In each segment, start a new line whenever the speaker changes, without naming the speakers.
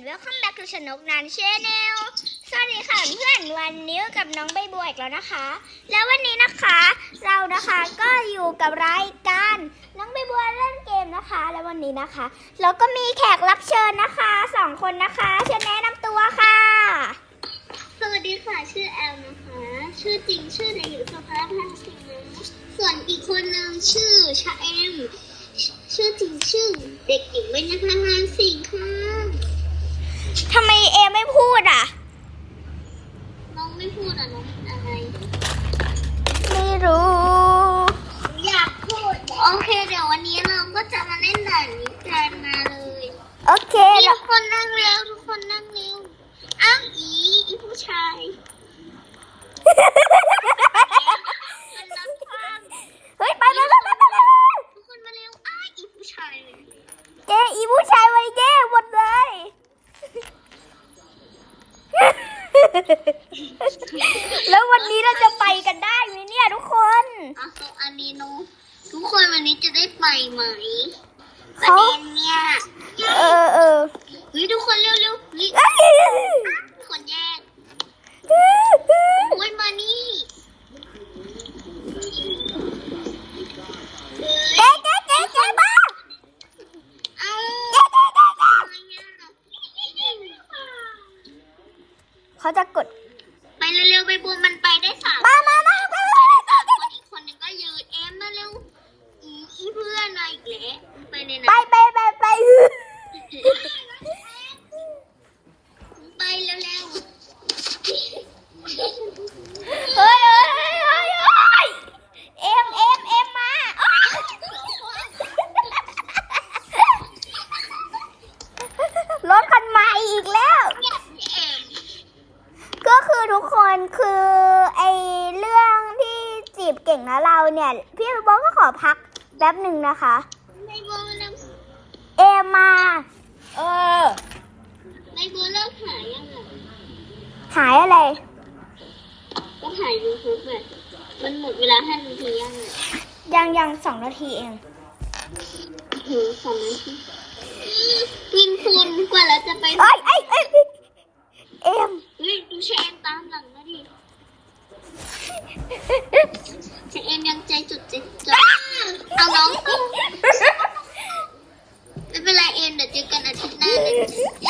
welcome back to ชนกนันชาแนลสวัสดีค่ะเพื่อนวันนี้กับน้องใบบัวอีกแล้วนะคะ แล้ววันนี้นะคะเรานะคะก็อยู่กับรายการน้องใบบัวเล่นเกมนะคะและวันนี้นะคะเราก็มีแขกรับเชิญนะคะ2 คนนะคะเชิญแนะนำตัวค่ะ
สวัสดีค่ะชื่อแอลนะคะชื่อจริงชื่อเด็กหญิงสุภาพพันธ์สิงห์ส่วนอีกคนนึงชื่อชาแอมชื่อจริงชื่อเด็กหญิงเบญจพรพันธ์สิงห์ค่ะ
ทำไมเอไม่พูดอ่ะ
น้องไม่พูดอ่ะน้องอะไร
ไม่รู้
อยากพูดโอเคเดี๋ยววันนี้เราก็จะมาเล่นด่านนี้กันมาเลย
โอเค
ทุกคนนั่งเร็วทุกคนนั่งเร็วอ้างอีผู้ชาย
เฮ้ยไป
ทุกคนมาเร็วอ้างอีผู้ชาย
เกอีผู้ชายไว้เกหมดเลยแล้ววันนี้เราจะไปกันได้ไหมเนี่ยทุกคน
อันนี้น้องทุกคนวันนี้จะได้ไปไหมประเด็นเนี่ย
เออ
เฮ้ยทุกคนเร็วคนแยกวันมานี่
เจ๊มา
เอา
เขาจะกด
ไปเร็วๆไปบัวมันไปได้3
มา
คนอีกคนนึงก็ยืนเอ็มมาเร็วอีเพื่อนมาอีกแล้วไปเลยนะ
ไป
ไปเร็ว
เฮ้ยเอ็มมารถคันใหม่อีกแล้วก็คือทุกคนคือไอเรื่องที่จีบเก่งนะเราเนี่ยพี่บอสก็ขอพักแป๊บหนึ่งนะคะ
ไม่บัว
เอ็มมา
ไม่บัวเลิกหายยังไง
หายอะไร
ก็หายยูทูบเลยมันหมดเวลา5 นาที
ยัง2 นาทีเอง
2 นาทีพินคุณกว่าเราจะไป
เอ็ม
ดูเชนตามหลังนะดิเชนยังใจจุดเอาน้องไม่เป็นไรเอ็นเดี๋ยวเจอกันอาทิตย์หน้าเลย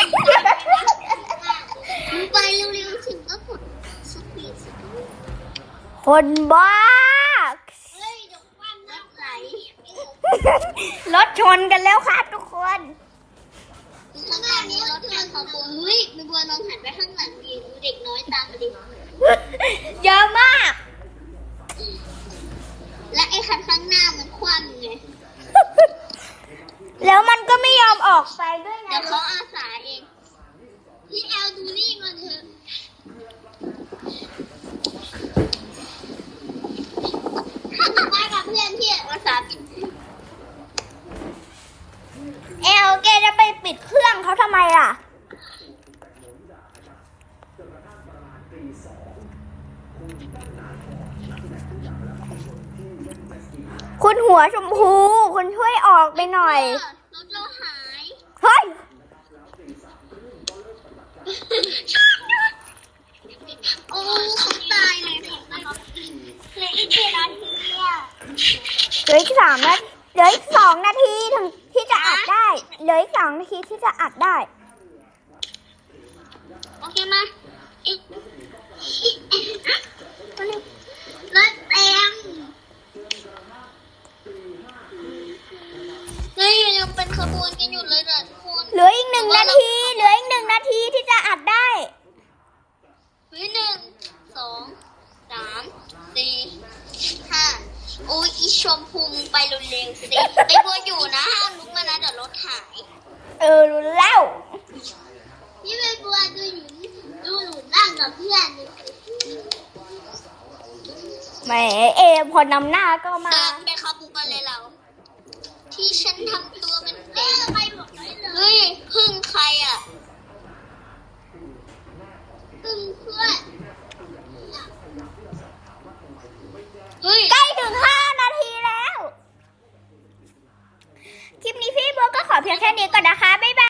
ไปเร็วๆถึงก็กดสปีด
คนบ้า
เฮ้ยเดี๋ยวความรถไหล
รถชนกันแล้วค่ะทุกคน
ข้างหน้านี้รถทางของบัวเฮ้ยมีบัวลองหันไปข้างหลังดิเด็กน้อยตามมาดิ
เยอะมาก
และไอ้คันข้างหน้ามันคว่ำไง
แล้วมันก็ไม่ยอมออกไปด้วยไง
เดี๋ยวเขาอาสาเองพี่แอลดูนี่มันเถอะไปกับเพื่อนพี่อาสาปิด
แกจะไปปิดเครื่องเขาทำไมล่ะคุณหัวชมพูคุณช่วยออกไปหน่อย
รถเราหาย
เฮ้ย
โอ้เขาตายเลยเหลืออีกกี่นาทีอ่ะ
เหลืออีก2 นาทีถึงที่จะอัดได้เหลืออีก2 นาทีที่จะอัดได้
โอเคมารถเต็มเฮ้ยยังเป็นขบวนกันอยู่เลยนะทุกคน
เหลืออีก1 นาทีที่จะอัดได้
1 2 3 4 5โอ้ยอีชมพูไปเร็วๆสิไปบัวอยู่นะห้ามลุกมานะเดี๋ยวรถหาย
รู้แล้ว
พี่ไปบัวดูหนูนั่งกับเพื่อน
แหมพอนำหน้าก็มา
ไปเข้าบุกกันเลยเราที่ฉันทำตัวเป็นเด็กไป